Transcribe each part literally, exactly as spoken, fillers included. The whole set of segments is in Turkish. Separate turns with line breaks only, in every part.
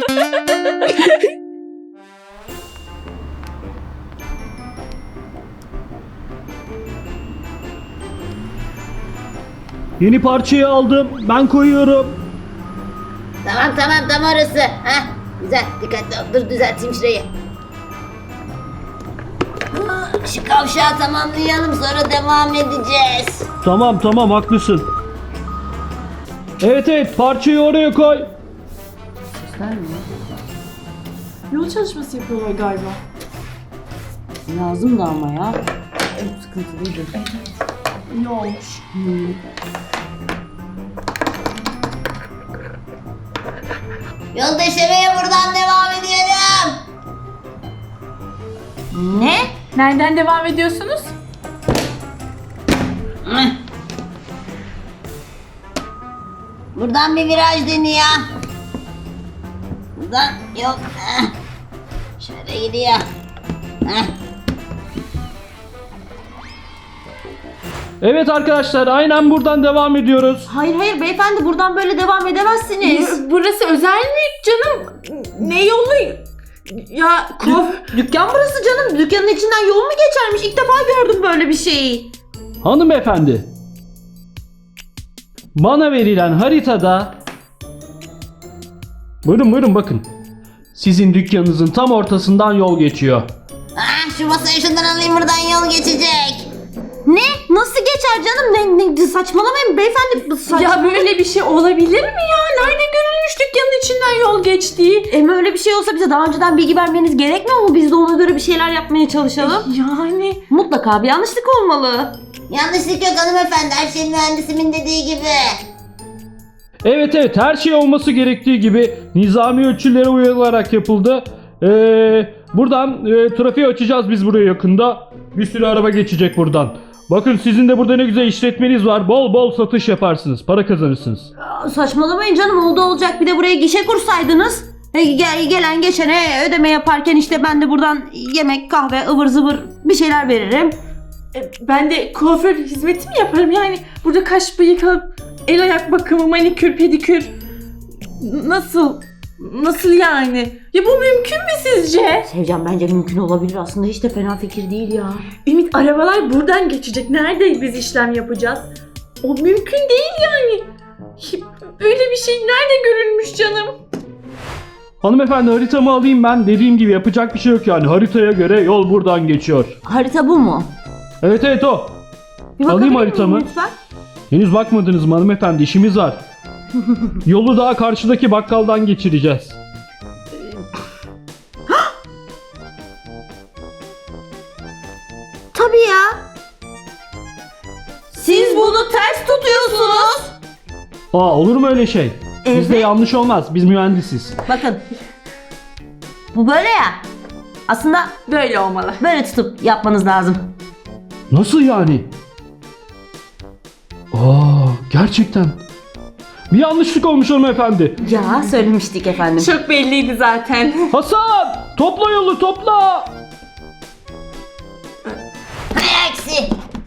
Yeni parçayı aldım. Ben koyuyorum.
Tamam tamam tam orası. Heh, güzel dikkatli ol. Dur düzelteyim şurayı. Şu kavşağı tamamlayalım sonra devam edeceğiz.
Tamam tamam haklısın. Evet evet parçayı oraya koy.
Sesler mi?
Yol çalışması yapıyorlar galiba.
Lazım da ama ya. Evet, sıkıntılıydı.
İyi olmuş.
Hmm.
Yol döşemeye buradan devam ediyorum.
Ne?
Nereden devam ediyorsunuz?
Buradan bir viraj dönüyor. Buradan yok. Heh. Şöyle gidiyor. Heh.
Evet arkadaşlar aynen buradan devam ediyoruz.
Hayır hayır beyefendi buradan böyle devam edemezsiniz.
Burası özel mi canım? Ne yolu? Ya kuaf...
Dükkan burası canım. Dükkanın içinden yol mu geçermiş? İlk defa gördüm böyle bir şeyi.
Hanımefendi. Bana verilen haritada buyurun buyurun bakın. Sizin dükkanınızın tam ortasından yol geçiyor.
Ah, şu masayı şundan alayım buradan yol geçecek.
Ne? Nasıl geçer canım? Ne, ne saçmalamayın beyefendi. Bu saç...
Ya böyle bir şey olabilir mi ya? Nerede görülmüş dükkanın içinden yol geçtiği?
Em öyle bir şey olsa bize daha önceden bilgi vermeniz gerekmiyor mu? Biz de ona göre bir şeyler yapmaya çalışalım.
Yani...
Mutlaka bir yanlışlık olmalı.
Yanlışlık yok hanımefendi. Her şeyin mühendisimin dediği gibi.
Evet evet her şey olması gerektiği gibi nizami ölçülere uyularak yapıldı. Ee, buradan e, trafiği açacağız biz buraya yakında. Bir sürü araba geçecek buradan. Bakın sizin de burada ne güzel işletmeniz var. Bol bol satış yaparsınız. Para kazanırsınız.
Aa, saçmalamayın canım. Oldu olacak bir de buraya gişe kursaydınız. E, gel, gelen geçene ödeme yaparken işte ben de buradan yemek, kahve, ıvır zıvır bir şeyler veririm.
E, Ben de kuaför hizmeti mi yaparım? Yani burada kaş bıyık alıp el ayak bakımı, manikür, pedikür. Nasıl? Nasıl yani? Ya bu mümkün mü sizce?
Sevcan bence mümkün olabilir aslında. Hiç de fena fikir değil ya.
Ümit arabalar buradan geçecek. Nerede biz işlem yapacağız? O mümkün değil yani. Hi- Böyle bir şey nerede görülmüş canım?
Hanımefendi haritamı alayım ben. Dediğim gibi yapacak bir şey yok yani. Haritaya göre yol buradan geçiyor.
Harita bu mu?
Evet evet o.
Bir
Alayım
bakabilir miyim
haritamı.
lütfen?
Henüz bakmadınız mı hanımefendi? İşimiz var. Yolu daha karşıdaki bakkaldan geçireceğiz.
Tabii ya. Siz bunu ters tutuyorsunuz.
Aa olur mu öyle şey? Bizde
Evet.
yanlış olmaz. Biz mühendisiz.
Bakın. Bu böyle ya. Aslında
Böyle olmalı.
böyle tutup yapmanız lazım.
Nasıl yani? Aa gerçekten. Bir yanlışlık olmuş hanımefendi.
Ya söylemiştik efendim.
Çok belliydi zaten.
Hasan! Topla yolu topla!
Hay aksi.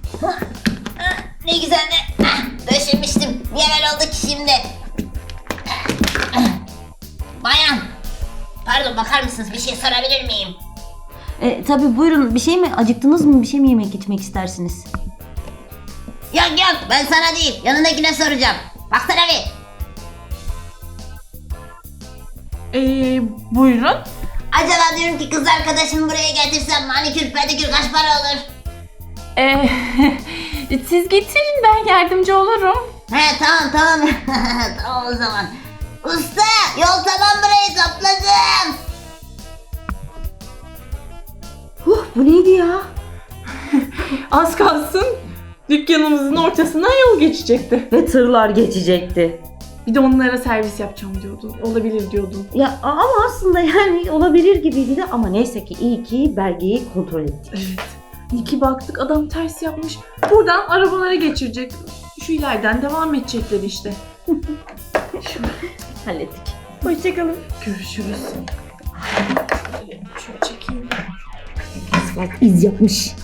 Ne güzel de döşemiştim. Niye böyle oldu ki şimdi? Bayan. Pardon bakar mısınız? Bir şey sorabilir miyim?
E, tabii buyurun bir şey mi acıktınız mı bir şey mi yemek içmek istersiniz?
Yok yok ben sana değil. Yanındakine soracağım. Baksana bir.
Ee, buyurun.
Acaba diyorum ki kız arkadaşımı buraya getirsem manikür pedikür kaç para olur?
Ee, siz getirin ben yardımcı olurum.
He tamam tamam. Tamam o zaman. Usta yol tamam burayı topladım.
Huh, bu neydi ya?
Az kalsın dükkanımızın ortasından yol geçecekti.
Ve tırlar geçecekti.
Bir de onlara servis yapacağım diyordun. Olabilir diyordun.
Ya ama aslında yani olabilir gibiydi de ama neyse ki iyi ki belgeyi kontrol ettik.
Evet. İyi ki baktık adam ters yapmış. Buradan arabalara geçirecek. Şu ileriden devam edecekler işte.
Hallettik.
Hoşçakalın. Görüşürüz. Şöyle çekeyim.
Asfalt iz yapmış.